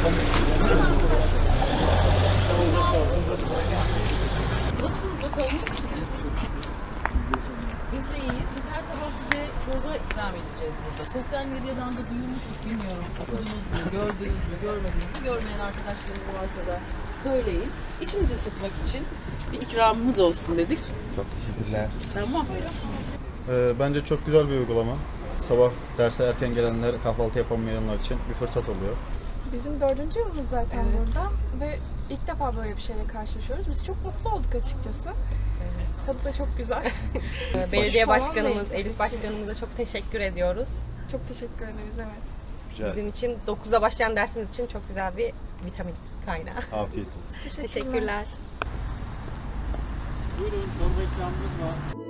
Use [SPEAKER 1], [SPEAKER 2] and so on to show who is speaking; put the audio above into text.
[SPEAKER 1] Nasılsınız bakalım? Biz de iyiyiz. Biz her sabah size çorba ikram edeceğiz burada. Sosyal medyadan da duyurmuşuz, bilmiyorum. Okudunuz mu, gördünüz mü, görmediniz mi? Görmeyen arkadaşlarınız varsa da söyleyin. İçinizi sıkmak için bir ikramımız olsun dedik.
[SPEAKER 2] Çok teşekkürler.
[SPEAKER 1] Tamam.
[SPEAKER 3] Bence çok güzel bir uygulama. Sabah derse erken gelenler, kahvaltı yapamayanlar için bir fırsat oluyor.
[SPEAKER 4] Bizim 4. yılımız zaten
[SPEAKER 1] Evet.
[SPEAKER 4] burada ve ilk defa böyle bir şeyle karşılaşıyoruz. Biz çok mutlu olduk açıkçası. Tadı da çok güzel.
[SPEAKER 5] Belediye
[SPEAKER 4] Hoş falan
[SPEAKER 5] başkanımız,
[SPEAKER 4] değil.
[SPEAKER 5] Elif başkanımıza çok teşekkür ediyoruz.
[SPEAKER 4] Çok teşekkür ederiz, evet.
[SPEAKER 2] Güzel.
[SPEAKER 5] Bizim için 9'da başlayan dersimiz için çok güzel bir vitamin kaynağı.
[SPEAKER 2] Afiyet olsun.
[SPEAKER 5] Teşekkürler.
[SPEAKER 6] Buyurun, çorba ikramımız var.